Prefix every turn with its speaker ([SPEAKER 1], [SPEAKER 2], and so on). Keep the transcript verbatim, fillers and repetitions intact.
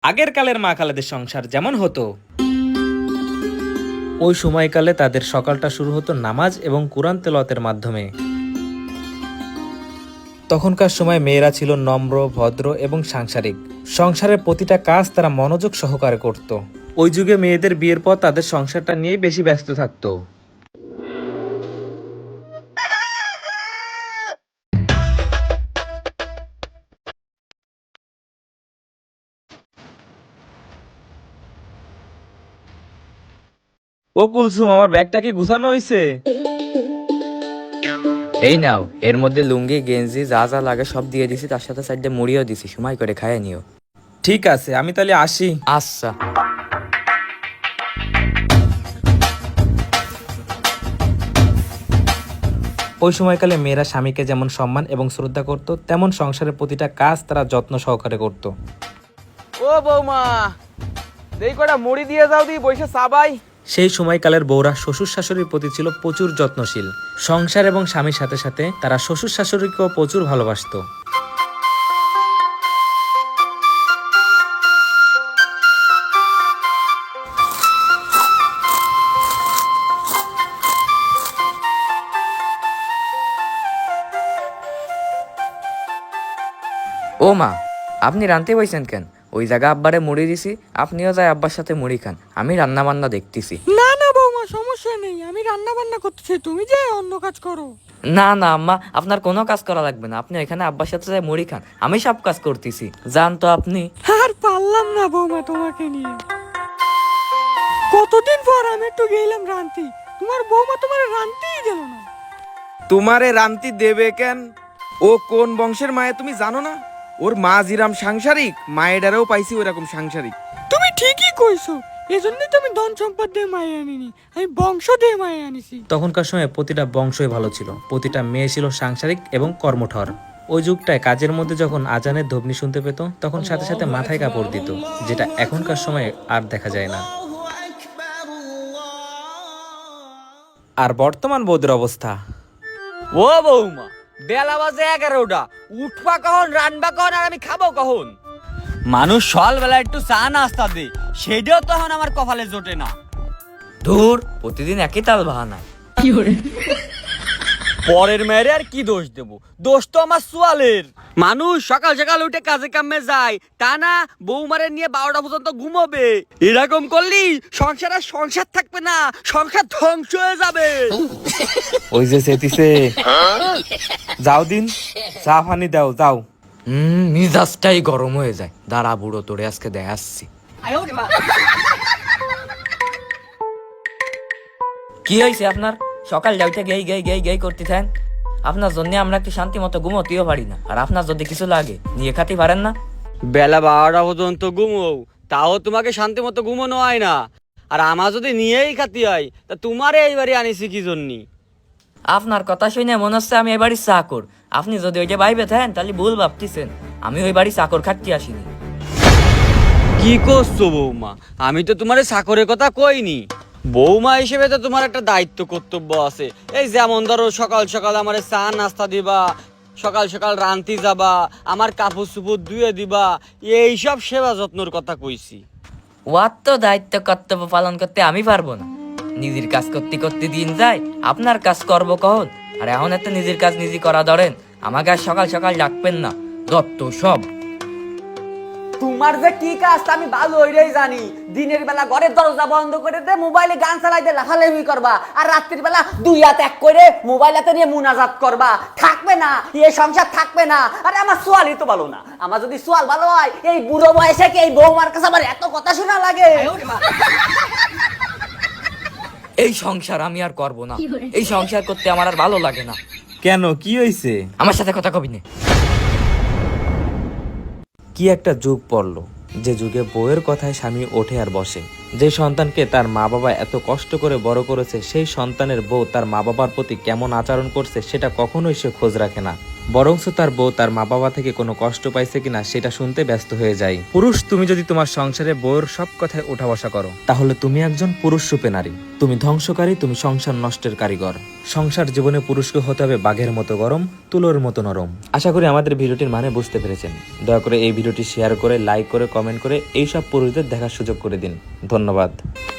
[SPEAKER 1] আগের কালের মা খালাদের সংসার যেমন হতো, ওই সময়কালে তাদের সকালটা শুরু হতো নামাজ এবং কুরআন তেলাওয়াতের মাধ্যমে। তখনকার সময় মেয়েরা ছিল নম্র, ভদ্র এবং সাংসারিক। সংসারের প্রতিটা কাজ তারা মনোযোগ সহকারে করত। ওই যুগে মেয়েদের বিয়ের পর তাদের সংসারটা নিয়েই বেশি ব্যস্ত থাকতো। ও কুলসুম, আমার ব্যাগটা কি গুছানো হয়েছে?
[SPEAKER 2] এই নাও, এর মধ্যে লুঙ্গি গেঞ্জি যা যা লাগে সব দিয়ে দিছি, তার সাথে সাইডে মুড়িও দিছি, সময় করে খাইয়ে নিও।
[SPEAKER 1] ঠিক আছে, আমি তাহলে আসি।
[SPEAKER 2] আচ্ছা।
[SPEAKER 1] ওই সময়কালে মেয়েরা স্বামীকে যেমন সম্মান এবং শ্রদ্ধা করত, তেমন সংসারের প্রতিটা কাজ তারা যত্ন সহকারে করত।
[SPEAKER 3] ও বৌমা, দেই কটা মুড়ি দিয়ে যাও দি বইসে চাবাই।
[SPEAKER 1] সেই সময়কালের বউরা শ্বশুর শাশুড়ির প্রতি ছিল প্রচুর যত্নশীল। সংসার এবং স্বামীর সাথে সাথে তারা শ্বশুর শাশুড়িকেও প্রচুর ভালোবাসতো।
[SPEAKER 2] ও মা, আপনি রানতে বইছেন কেন? ওই জায়গা আব্বারে মুড়ি দিছি, আপনিও যাই আব্বার সাথে মুড়ি খান, আমি রান্না বান্না দেখতেছি।
[SPEAKER 4] না না বৌমা, সমস্যা নেই, আমি রান্না বান্না করতেছি, তুমি যে অন্য কাজ করো।
[SPEAKER 2] না না আম্মা, আপনার কোনো কাজ করা লাগবে না, আপনি এখানে আব্বার সাথে যাই মুড়ি খান, আমি সব কাজ করতেছি। যান তো আপনি।
[SPEAKER 4] আর পারলাম না বৌমা তোমাকে নিয়ে। কতদিন পর আমি একটু গেলাম রান্তি, তোমার বৌমা তোমার রান্তিই দিল না।
[SPEAKER 3] তোমারে রান্তি দেবে কেন? ও কোন বংশের মায়ে তুমি জানো না? ওর মা জিরাম সাংসারিক, মায়েরাও পাইছি ওরকম সাংসারিক।
[SPEAKER 4] তুমি ঠিকই কইছো, এজন্যই তো আমি ধন সম্পদ দিয়ে মায়ে আনিনি, আমি বংশ দিয়ে মায়ে আনিছি।
[SPEAKER 1] তখনকার সময় প্রতিটা বংশই ভালো ছিল, প্রতিটা মেয়ে ছিল সাংসারিক এবং কর্মঠর। ওই যুগটায় কাজের মধ্যে যখন আজানের ধ্বনি শুনতে পেত, তখন সাথে সাথে মাথায় কাপড় দিত, যেটা এখনকার সময় আর দেখা যায় না। আর বর্তমান বৌদের অবস্থা,
[SPEAKER 5] ও বৌমা, বেলা বাজে এগারোটা, উঠবা কখন, রানবা কখন, আর আমি খাবো কখন? মানুষ সকালবেলা একটু চা নাস্তা দে, সেটাও তখন আমার কপালে জোটে না।
[SPEAKER 2] ধুর, প্রতিদিন একই তাল বাহানায়।
[SPEAKER 5] পরের মেয়েরে আর কি দোষ দেব? দোষ তো আমার সোয়ালের। মানুষ সকাল সকাল উঠে কাজে কামে যায়, তা না বৌমারে নিয়ে বারোটা পর্যন্ত ঘুমোবে। এরকম করলি সংসার আর সংসার থাকবে না, সংসার ধ্বংস হয়ে যাবে।
[SPEAKER 1] ওই যে সেতিছে, যাও দিন চা পানি দাও, যাও।
[SPEAKER 2] হম মিজাজটাই গরম হয়ে যায়। দাঁড়া বুড়ো, তোরে আজকে দেখাচ্ছি। কি হয়েছে আপনার? সকাল যাইতে গেই গেই গেই গেই করতে থাকেন। আপনার জন্য আমরা একটু শান্তি মতো ঘুমোতেও পারি না, আর আপনার যদি কিছু লাগে নিয়ে খাতে পারেন না।
[SPEAKER 5] বেলা বারোটা পর্যন্ত ঘুমো, তাও তোমাকে শান্তি মতো ঘুমানো হয় না। আর আমার যদি নিয়েই খাতি হয়, তা তোমারে এইবারে আনিছি কি জন্যি?
[SPEAKER 2] আপনার কথা শুনে মনে হচ্ছে আমি এই বাড়ির চাকর। আপনি যদি ওইটা বাইবে থাকেন তাহলে ভুল ভাবতেছেন, আমি ওই বাড়ির চাকর খাটতে আসিনি।
[SPEAKER 5] কি করছো বৌমা? আমি তো তোমারে চাকরের কথা কইনি। বৌমা হিসেবে তো তোমার একটা দায়িত্ব কর্তব্য আছে। এই যেমন ধরো সকাল সকাল আমারে চা নাস্তা দিবা, সকাল সকাল রান্তি যাবা, আমার কাপড় চুপড় ধুয়ে দিবা, এইসব সেবা যত্নর কথা কইছি।
[SPEAKER 2] ওয়ার তো দায়িত্ব কর্তব্য পালন করতে আমি পারবো না। নিজের কাজ করতে করতে দিন যায়, আপনার কাজ করবো কখন? আর এখন এত নিজের কাজ নিজে করা ধরেন, আমাকে আর সকাল সকাল ডাকবেন না, দত্ত সব।
[SPEAKER 5] তোমার যে কি কাজ আমি ভালো ওইটাই জানি। দিনের বেলা ঘরের দরজা বন্ধ করে দে, মোবাইলে গান চালাই দে, লাফালাফি করবা, আর রাত্রির বেলা দুই হাত এক করে মোবাইল হাতে নিয়ে মুনাজাত করবা। থাকবে না এ সংসার, থাকবে না। আরে আমার সোয়ালই তো ভালো না। আমার যদি সোয়াল ভালো হয়, এই বুড়ো বয়সে কি এই বৌমার কাছে আমার এত কথা শোনা লাগে?
[SPEAKER 2] এই সংসার আমি আর করবো না, এই সংসার করতে আমার আর ভালো লাগে না।
[SPEAKER 1] কেন, কি হয়েছে?
[SPEAKER 2] আমার সাথে কথা কবি না।
[SPEAKER 1] কি একটা যুগ পড়ল, যে যুগে বউয়ের কথায় স্বামী ওঠে আর বসে। যে সন্তানকে তার মা বাবা এত কষ্ট করে বড় করেছে, সেই সন্তানের বউ তার মা বাবার প্রতি কেমন আচরণ করছে সেটা কখনোই সে খোঁজ রাখে না। বরংস তার বউ তার মা বাবা থেকে কোনো কষ্ট পাইছে কিনা সেটা শুনতে ব্যস্ত হয়ে যায়। পুরুষ, তুমি যদি তোমার সংসারে বউর সব কথায় উঠা বসা করো তাহলে তুমি একজন পুরুষ রূপে নারী। তুমি ধ্বংসকারী, তুমি সংসার নষ্টের কারিগর। সংসার জীবনে পুরুষকে হতে হবে বাঘের মতো গরম, তুলোর মতো নরম। আশা করি আমাদের ভিডিওটির মানে বুঝতে পেরেছেন। দয়া করে এই ভিডিওটি শেয়ার করে, লাইক করে, কমেন্ট করে এইসব পুরুষদের দেখার সুযোগ করে দিন। ধন্যবাদ।